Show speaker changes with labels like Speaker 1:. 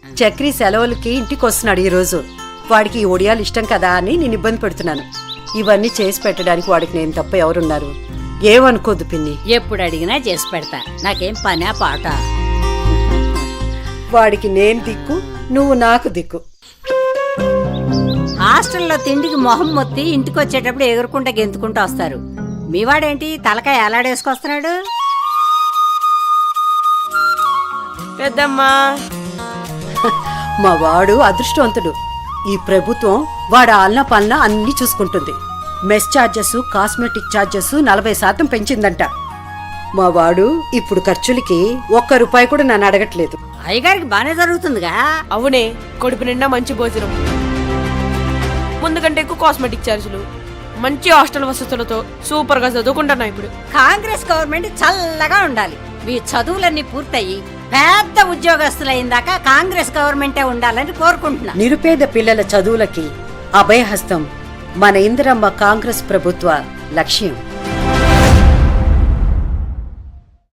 Speaker 1: చక్రి సెలవులకి ఇంటికి వస్తున్నాడు ఈ రోజు. వాడికి ఈ ఒడియాలు ఇష్టం కదా అని నేను ఇబ్బంది పెడుతున్నాను. ఇవన్నీ చేసి పెట్టడానికి వాడికి నేను తప్ప ఎవరున్నారు? ఏమనుకోద్దు పిన్ని.
Speaker 2: ఎప్పుడు అడిగినా చేసి పెడతా, నాకేం పనా పాట.
Speaker 1: వాడికి నేను దిక్కు, నువ్వు నాకు దిక్కు.
Speaker 2: హాస్టల్లో తిండికి మొహం మొత్తి ఇంటికి వచ్చేటప్పుడు ఎగురుకుంటా గెంతుకుంటూ వస్తారు. మీవాడేంటి తలకాయ ఎలాడేసుకొస్తున్నాడు?
Speaker 3: పెద్దమ్మా,
Speaker 1: మా వాడు అదృష్టవంతుడు. ఈ ప్రభుత్వం వాడు ఆలన పాలన అన్ని చూసుకుంటుంది. మెస్ ఛార్జెస్, కాస్మెటిక్ ఛార్జెస్ 40% పెంచిందంట. మా వాడు ఇప్పుడు ఖర్చులకి ₹1 కూడా నన్ను అడగట్లేదు.
Speaker 2: అయ్యగారికి బానే జరుగుతుందిగా.
Speaker 3: అవునే, కడుపు నిండా మంచి భోజనం, ముందు కంటే ఎక్కువ కాస్మెటిక్ ఛార్జీలు, మంచి హాస్టల్ వసతులతో సూపర్ గా చదువుకుంటున్నా. ఇప్పుడు
Speaker 2: కాంగ్రెస్ గవర్నమెంట్ చల్లగా ఉండాలి. మీ చదువులన్నీ పూర్తయి పెద్ద ఉద్యోగస్తులైందాకా కాంగ్రెస్ గవర్నమెంటే ఉండాలని కోరుకుంటున్నా.
Speaker 1: నిరుపేద పిల్లల చదువులకి అభయహస్తం మన ఇందిరమ్మ కాంగ్రెస్ ప్రభుత్వ లక్ష్యం.